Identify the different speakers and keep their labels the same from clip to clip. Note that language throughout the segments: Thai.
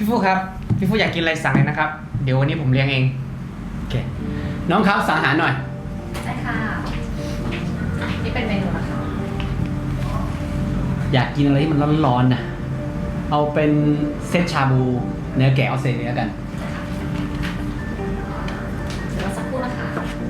Speaker 1: ฟูครับพี่ฟูอยากกินอะไรสั่งเลยนะครับเดี๋ยววันนี้ผมเลี้ยงเองโอเคน้องครับสั่งอาหารหน่อย
Speaker 2: ได้ค่ะนี่เป็นเมนูนะคะ
Speaker 1: อยากกินอะไรที่มันร้อนๆนะเอาเป็นเซตชาบูเนื้อแกะออสเตรเลียกัน
Speaker 2: เดี๋ยวสักครู่นะคะ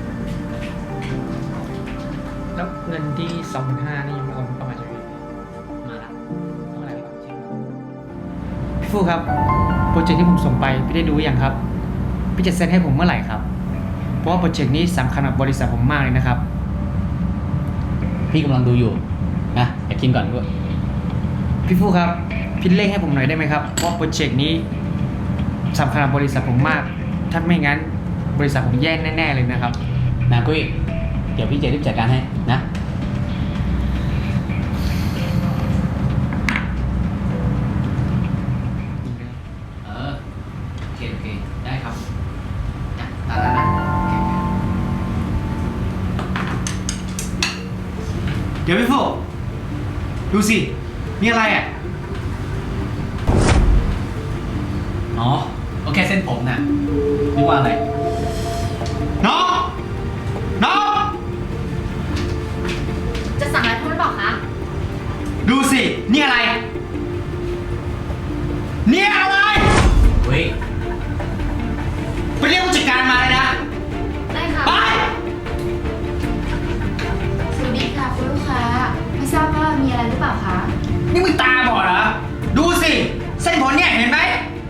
Speaker 1: แล้วเงินที่ 25,000นี่ยังไม่โอนเข้ามาใช่ไหมมาละเท่าไหร่ดีกว่าเช็คพี่ฟูครับโปรเจกต์ที่ผมส่งไปพี่ได้ดูยังครับพี่จะเซ็นให้ผมเมื่อไหร่ครับเพราะว่าโปรเจกต์นี้สำคัญกับบริษัทผมมากเลยนะครับพี่กำลังดูอยู่นะอยากกินก่อนด้วยพี่ฟูครับพี่เร่งให้ผมหน่อยได้ไหมครับเพราะโปรเจกต์นี้สำคัญกับบริษัทผมมากถ้าไม่งั้นบริษัทผมแย่แน่ๆเลยนะครับนะกุ้ยเดี๋ยวพี่จะรีบจัดการให้นะโอเคได้ครับตามนั้นนะเดี๋ยวพี่ฟูดูสิมีอะไรอ่ะอ๋อโอเคเส้นผมน่ะนึกว่าอะไรน้อง
Speaker 2: จะสั่งอะไรเพิ่มหรือเปล่าคะ
Speaker 1: ดูสินี่อะไรเนี่ยอะไรเฮ้ยไปเรียกผู้จัดการมาเลยนะ
Speaker 2: ได้ค่ะ
Speaker 1: ไป
Speaker 2: สวัสดีค่ะคุณลูกค้าไม่ทราบว่ามีอะไรหรือเปล่าคะ
Speaker 1: นี่มึงตาบอดเหรอดูสิเส้นผมเนี่ยเห็นไหม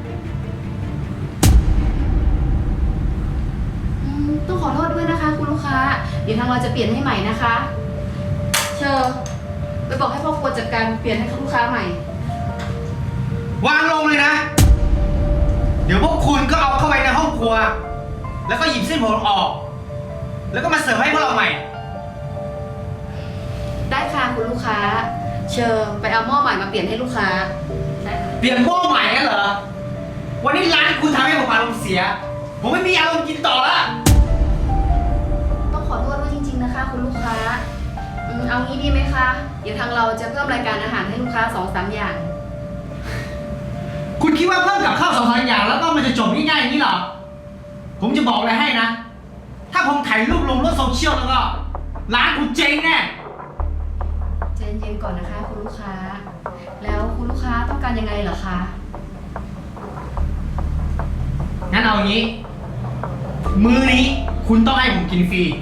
Speaker 2: ต้องขอโทษด้วยนะคะคุณลูกค้าเดี๋ยวทางเราจะเปลี่ยนให้ใหม่นะคะเชิญไปบอกให้พ่อครัวจัดการเปลี่ยนให้ลูกค้าใหม่
Speaker 1: วางลงเลยนะเดี๋ยวพวกคุณก็เอาเข้าไปในห้องครัวแล้วก็หยิบเส้นผมออกแล้วก็มาเสิร์ฟให้พวกเราใหม่
Speaker 2: ได้ค่ะคุณลูกค้าเชิญไปเอาหม้อใหม่มาเปลี่ยนให้ลูกค้า
Speaker 1: เปลี่ยนหม้อใหม่กันเหรอวันนี้ร้านคุณทำให้ผมอารมณ์เสียผมไม่มีอารมณ์กินต่อแล้ว
Speaker 2: ต้องขอโทษด้วยจริงๆนะคะคุณลูกค้าเอางี้ดีไหมคะเดี๋ยวทางเราจะเพิ่มรายการอาหารให้ลูกค้า 2-3 อย่าง
Speaker 1: คุณคิดว่าเพิ่มกับข้าว2-3 อย่างแล้วก็มันจะจบง่ายๆอย่างนี้เหรอผมจะบอกอะไรให้นะถ้าผมถ่ายรูปลงโลกโซเชียลแล้วก็ร้านคุณเจ๊งแน่
Speaker 2: ใจเย็นๆก่อนนะคะคุณลูกค้าแล้วคุณลูกค้าต้องการยังไงเหรอคะ
Speaker 1: งั้นเอาอย่างนี้มื้อนี้คุณต้องให้ผมกินฟรี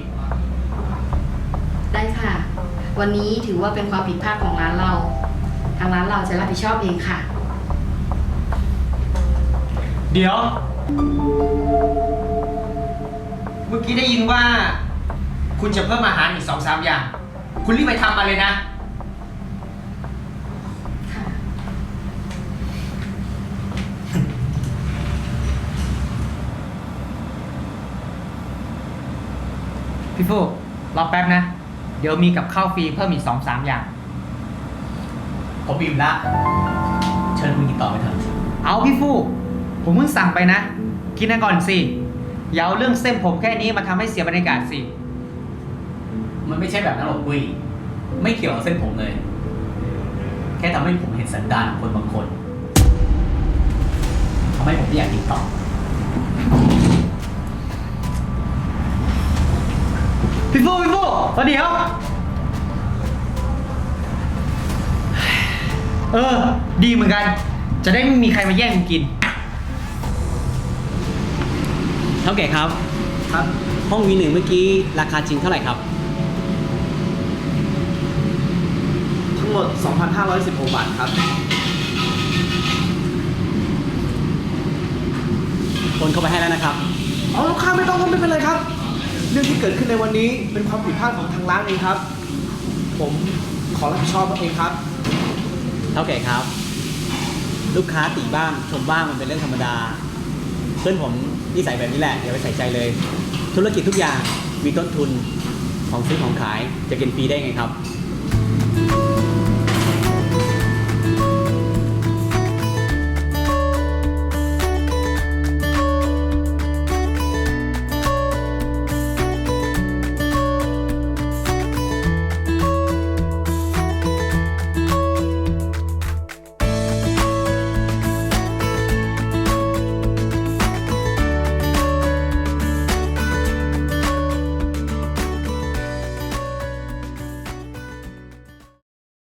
Speaker 2: ได้ค่ะวันนี้ถือว่าเป็นความผิดพลาดของร้านเราทางร้านเราจะรับผิดชอบเองค่ะ
Speaker 1: เดี๋ยวเมื่อกี้ได้ยินว่าคุณจะเพิ่มอาหารอีก 2-3 อย่างคุณรีบไปทำมาเลยนะ
Speaker 2: ค่ะ
Speaker 1: พี่ฟูรอแป๊บนะเดี๋ยวมีกับข้าวฟรีเพิ่มอีก 2-3 อย่างผมอิ่มละเชิญคุณกินต่อไปเถอะเอาพี่ฟูผมเพิ่งสั่งไปนะกินกันก่อนสิอย่าเอาเรื่องเส้นผมแค่นี้มาทำให้เสียบรรยากาศสิมันไม่ใช่แบบนั้นหรอกกุ้ยไม่เกี่ยวกับเส้นผมเลยแค่ทำให้ผมเห็นสันดานของคนบางคนทำให้ผมไม่อยากกินต่อพี่ฟูเดี๋ยวดีเหมือนกันจะได้ไม่มีใครมาแย่งกินเท่าแก่ครับห้องV1เมื่อกี้ราคาจริงเท่าไหร่ครับ
Speaker 3: ทั้งหมด 2,516 บาทครับ
Speaker 1: โอนเข้าไปให้แล้วนะครับ
Speaker 3: เอาลูกค้าไม่ต้องไม่เป็นไรครับเรื่องที่เกิดขึ้นในวันนี้เป็นความผิดพลาดของทางร้านเองครับผมขอรับผิดชอบเองครับ
Speaker 1: เท่าแก่ครับลูกค้าติบ้างชมบ้างมันเป็นเรื่องธรรมดาเพื่อนผมนิสัยแบบนี้แหละอย่าไปใส่ใจเลยธุรกิจทุกอย่างมีต้นทุนของซื้อของขายจะกินฟรีได้ไงครับ